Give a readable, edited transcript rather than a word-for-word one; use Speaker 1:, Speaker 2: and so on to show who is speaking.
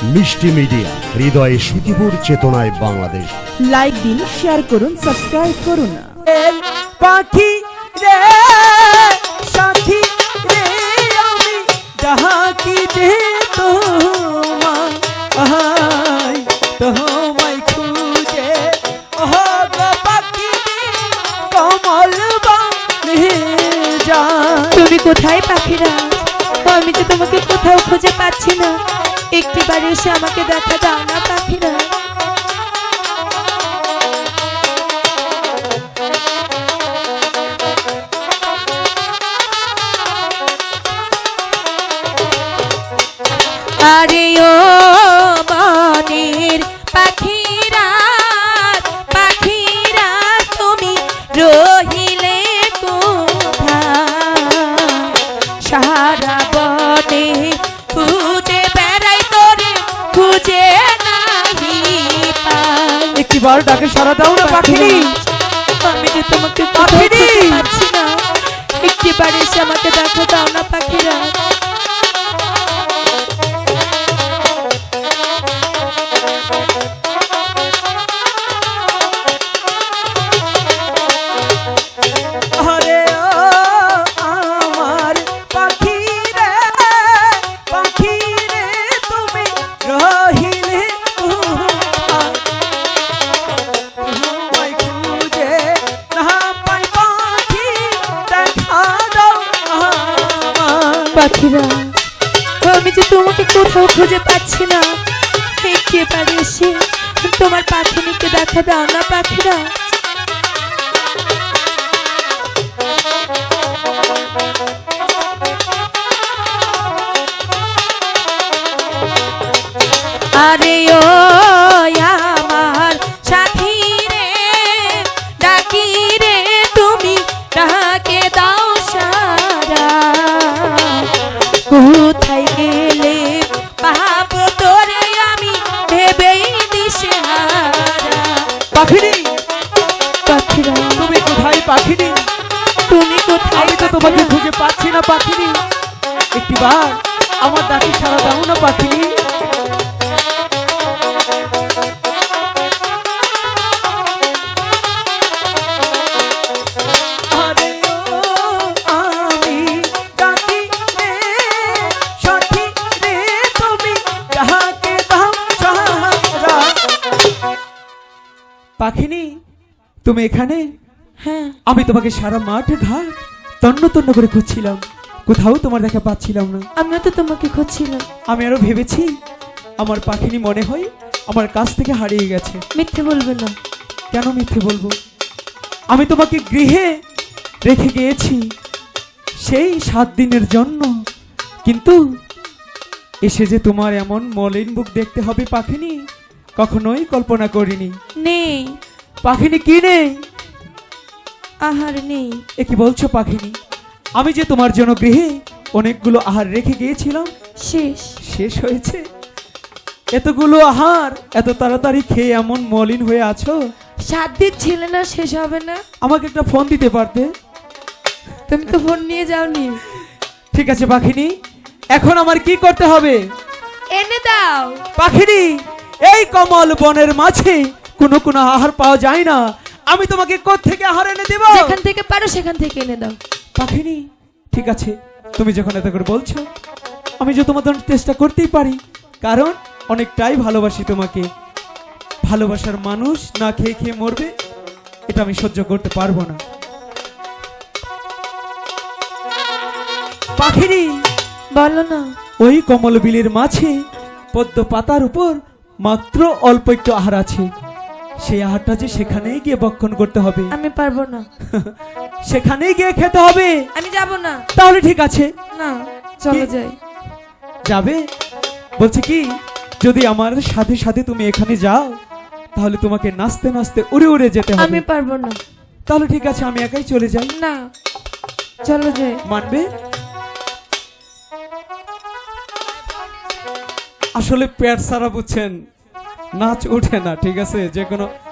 Speaker 1: মিষ্টি মিডিয়া, হৃদয়ে সুখীপুর, চেতনায় বাংলাদেশ।
Speaker 2: লাইক দিন, শেয়ার করুন, সাবস্ক্রাইব করুন।
Speaker 3: পাখি রে সাথী রে আমি ডাকি দে তোমায় তোমায় খুঁজে পাখি কমল বানে যায়।
Speaker 2: তুমি কোথায় পাখিরা? আমি তো তোমাকে কোথাও খুঁজে পাচ্ছি না। একটিবার এসে আমাকে দেখা দাও না পাখিরা। আরে ও মনের পাখিরা, পাখিরা তুমি রহিলে কোথায়? সারা বনে খুঁজে বেড়াই তোরে, খুঁজে নাহি পাই।
Speaker 3: একটিবার ডাকে সারা দাও না পাখিনি।
Speaker 2: আমি যে তোমাকে কোথাও খুঁজে পাচ্ছি না। একটিবার এসে আমাকে দেখা দাও না পাখিরা।
Speaker 3: আরে ও আমার পাখি রে, পাখি রে তুমি রহিলে কোথায়? তোমায় খুঁজে না পাই পাখি, দেখা দাও আমায়।
Speaker 2: পাখিরা, আমি যে তোমাকে কোথাও খুঁজে পাচ্ছি না। একেবারে এসে তোমার পাখিনিকে দেখা দাও না পাখিরা। আরে ও আমার সাথী রে, ডাকি রে তুমি ডাকে দাও সারা। কোথায় গেলে পাবো তোরে আমি ভেবেই দিশেহারা।
Speaker 3: পাখিনি,
Speaker 2: পাখিরা,
Speaker 3: তুমি কোথায় পাখিনি?
Speaker 2: তুমি কোথায়?
Speaker 3: আমি তো তোমাকে খুঁজে পাচ্ছি না পাখিনি। একটিবার আমার ডাকে সারা দাও না পাখিনি। আরে ও আমি ডাকি রে সাথী রে তুমি ডাকে দাও সারা। পাখিনি, তুমি এখানে?
Speaker 2: হ্যাঁ,
Speaker 3: আমি তোমাকে সারা মাঠ ঘাট তন্ন তন্ন করে খুঁজছিলাম, কোথাও তোমার দেখা পাচ্ছিলাম না।
Speaker 2: আমিও তো তোমাকে খুঁজছিলাম।
Speaker 3: আমি আরো ভেবেছি আমার পাখিনি মনে হয় আমার কাছ থেকে হারিয়ে গেছে।
Speaker 2: মিথ্যে বলবে না।
Speaker 3: কেন মিথ্যে বলবো? আমি তোমাকে গৃহে রেখে গিয়েছি সেই 7 দিনের জন্য, কিন্তু এসে যে তোমার এমন মলিন মুখ দেখতে হবে পাখিনি, কখনোই কল্পনা করিনি।
Speaker 2: নেই,
Speaker 3: পাখিনি কি নেই?
Speaker 2: আহার নেই।
Speaker 3: এ কি বলছো পাখিনি? আমি যে তোমার জন্য গৃহে অনেকগুলো আহার রেখে গিয়েছিলাম,
Speaker 2: শেষ।
Speaker 3: শেষ হয়েছে। এতগুলো আহার এত তাড়াতাড়ি খেয়ে এমন মলিন হয়ে আছো।
Speaker 2: 7 দিন ছিল না, শেষ হবে না?
Speaker 3: আমাকে একটা ফোন দিতে পারতে।
Speaker 2: তুমি তো ফোন নিয়ে যাওনি।
Speaker 3: ঠিক আছে পাখিনি, এখন আমার কি করতে হবে?
Speaker 2: এনে দাও।
Speaker 3: পাখিনি, এই কমল বনের মাঝে কোনো কোনো আহার পাওয়া যায় না। আমি তোমাকে কোত্থেকে আহার এনে দেব?
Speaker 2: যেখান থেকে পারো সেখান থেকে এনে দাও।
Speaker 3: পাখিনি, ঠিক আছে, তুমি যখন এত করে বলছো, আমি যে তোমার জন্য চেষ্টা করতেই পারি, কারণ অনেকটাই ভালোবাসি তোমাকে। ভালোবাসার মানুষ না খেয়ে খেয়ে মরবে, এটা আমি সহ্য করতে পারবো না। পাখিনি,
Speaker 2: বলো না।
Speaker 3: ওই কমল বিলের মাঝে পদ্ম পাতার উপর মাত্র অল্প একটু আহার আছে। সেই আহারটা যে সেখানেই গিয়ে ভক্ষণ করতে হবে।
Speaker 2: আমি পারবো না।
Speaker 3: সেখানেই গিয়ে খেতে হবে।
Speaker 2: আমি যাব না।
Speaker 3: তাহলে ঠিক আছে,
Speaker 2: না, চলে
Speaker 3: কি?
Speaker 2: যাই।
Speaker 3: যাবে? বলছি কি, যদি আমার সাথে সাথে তুমি এখানে যাও, তাহলে তোমাকে নাচতে নাচতে উড়ে উড়ে যেতে হবে।
Speaker 2: আমি পারবো না।
Speaker 3: তাহলে ঠিক আছে, আমি একাই চলে যাই।
Speaker 2: না, চলে যাই।
Speaker 3: মানবে? আসলে পেট সারা বুঝছেন, নাচ ওঠে না। ঠিক আছে, যে কোনো